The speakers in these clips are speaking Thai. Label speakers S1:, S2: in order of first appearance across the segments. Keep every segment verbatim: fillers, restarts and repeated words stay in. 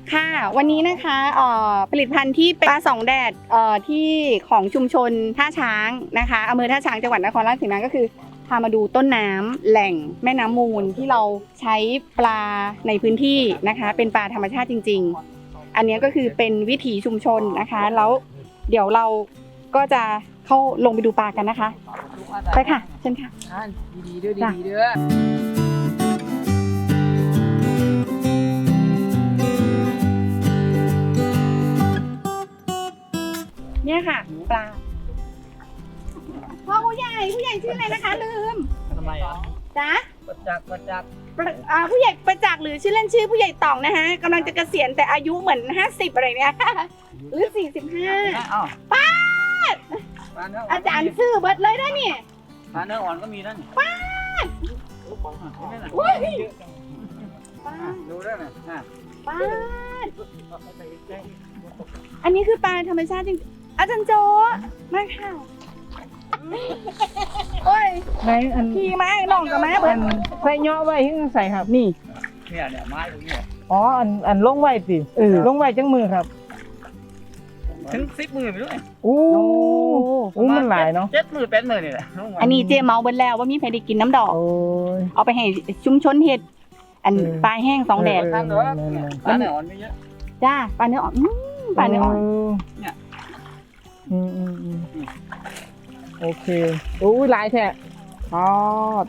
S1: ค่ะวันนี้นะคะเอ่อผลิตภัณฑ์ที่เป็นปลาสองแดดเอ่อที่ของชุมชนท่าช้างนะคะอำเภอท่าช้างจังหวัดนครราชสีมาก็คือพามาดูต้นน้ำแหล่งแม่น้ำมูลที่เราใช้ปลาในพื้นที่นะคะเป็นปลาธรรมชาติจริงๆอันนี้ก็คือเป็นวิถีชุมชนนะคะแล้วเดี๋ยวเราก็จะเข้าลงไปดูปลากันนะคะไปค่ะเชิญค่ะ
S2: ดีๆเด้อดีๆเด้อ
S1: เนี่ยค่ะปลาพ่อผู้ใหญ่ผู้ใหญ่ชื่ออะไรนะคะลืม
S2: ทำไมอ่ะ
S1: จ๊ะ
S2: ประจักษ์ประจักษ์
S1: อ่าผู้ใหญ่ประจักษ์หรือชื่อเล่นชื่อผู้ใหญ่ต่องนะคะกำลังจะเกษียณแต่อายุเหมือนห้าสิบอะไรเนี่ยหรือสี่สิบห้าป้าดอาจารย์ซื้อเบิดเลยนะเนี่ย
S2: ปลาเนื้ออ่อนก็มีนั่น
S1: ป้าด
S2: ว้ยดูได้ไหม
S1: ป้าดอันนี้คือปลาธรรมชาติจริงอาจารย์โจมาค่ะโอ้ย
S3: ในอัน
S1: ขี่มาน้องกับมาเบิ
S3: อั
S1: ด
S3: นใส่ย่อไว้ที่ใส่ครับนี่
S2: เนี่ยเนี่ยไม้ตรงนี้
S3: อ๋ออันอันลงไว้สิเออลงไว้จังมือครับ
S2: ถึงสิบมือไปด้วย
S3: อู้อู้มันหลายเนาะ
S2: เจ็ดมือแปดมือนี่แหละ
S1: อันนี้เจเมาเบิดแล้วว่ามีใครได้กินน้ำดอก
S3: โอ้ย
S1: เอาไปให้ชุมชนเห็ดอัน
S3: เออ
S1: ปลาแห้งสองแดด
S3: เออ
S2: ทางเด้อปลาเนื้ออ่อนไม่เยอะ
S1: จ้าปลาเนื้ออ่อนอืมปลาเนื้ออ่อน
S2: เนี่ย
S3: อืมอืมอืมโอเคอู้ยหลายแท้ทอด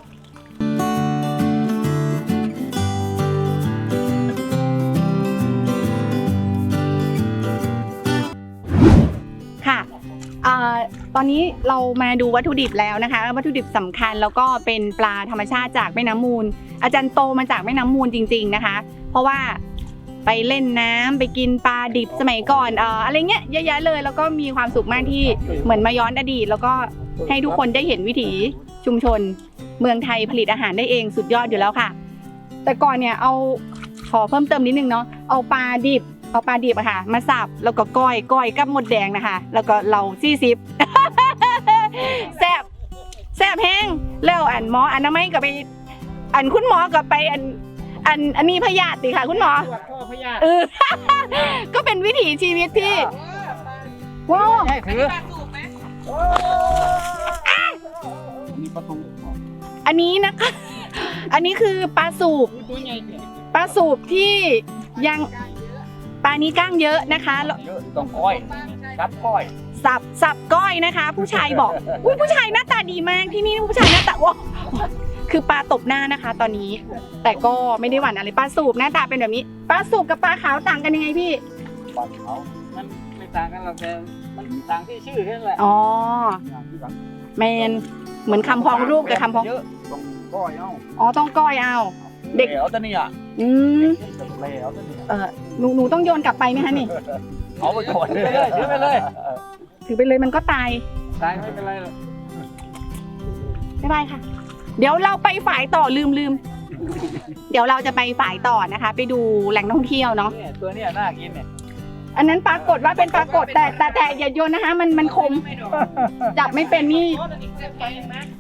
S1: ค่ะอ่าตอนนี้เรามาดูวัตถุดิบแล้วนะคะวัตถุดิบสำคัญแล้วก็เป็นปลาธรรมชาติจากแม่น้ำมูล อาจารย์โตมาจากแม่น้ำมูลจริงๆนะคะ เพราะว่าไปเล่นน้ำไปกินปลาดิบสมัยก่อนเอ่ออะไรเงี้ยเยอะแยะเลยแล้วก็มีความสุขมากที่เหมือนมาย้อนอดีต แล้วก็ให้ทุกคนได้เห็นวิถีชุมชน เมืองไทยผลิตอาหารได้เองสุดยอดอยู่แล้วค่ะ แต่ก่อนเนี่ยเอาขอเพิ่มเติมนิดนึงเนาะเอาปลาดิบเอาปลาดิบอะค่ะมาสับแล้วก็ก้อยก้อยกับหมดแดงนะคะแล้วก็เราซี่ซิป แซ่บแซ่บแห้งแล้วอันหมออันน้ำไม่ก็ไปอันคุณหมอก็ไปอันอันอันนี้พยาธิค่ะคุณหมอ
S2: ตรวจข้อพยาธิ
S1: เออ ก็เป็นวิถีชีวิตที่ว้าว
S2: ให้ถือมีประตู
S1: อันนี้นะคะ อันนี้คือปลาสูบ
S2: ตัวใหญ่
S1: ปลาสูบที่ยังปลานี้ก้างเยอะนะคะแล้ว
S2: เยอะต้องก้อยรับก้อย
S1: สับสับก้อยนะคะ ผู้ชายบอกอุ้ยผู้ชายหน้าตาดีมากที่นี่ผู้ชายหน้าตาว้าวคือปลาตบหน้านะคะ ตอนนี้ แต่ก็ไม่ได้หวั่นอะไรปลาสูบหน้าตาเป็นแบบนี้ปลาสูบกับปลาขาวต่างกันยังไงพี่
S2: ปลาเขามันไม่ต่างกันหรอกแต่มันต่างที่ชื่อแค่นั้นแหละ
S1: อ๋อแมนเหมือนคำพ้องรูปกับคำพ้อง
S2: เยอะต้องก้อยเอา
S1: อ๋อต้องก้อยเอา เด็ก
S2: แล้วแต่นี่อ่ะ
S1: อืม
S2: แล้วแต่นี่
S1: เออหนูหนูต้องโยนกลับไปไหมคะนี่
S2: เอาไปก่อนไปเลยถือไปเลย
S1: ถือไปเลยมันก็ตาย
S2: ตายไม่เป็นไรหรอก
S1: บ๊ายบายค่ะ เดี๋ยวเราไปฝ่ายต่อลืมลืมเดี๋ยวเราจะไปฝ่ายต่อนะคะ ไปดูแหล่งท่องเที่ยวเนาะ
S2: เนี่ยตัวเนี้ยน่ากินเนี่ย
S1: อันนั้นปรากฏว่าเป็นปรากฏแต่แต่แต่อย่าโยนนะคะ มันมันคมจับไม่เป็นนี่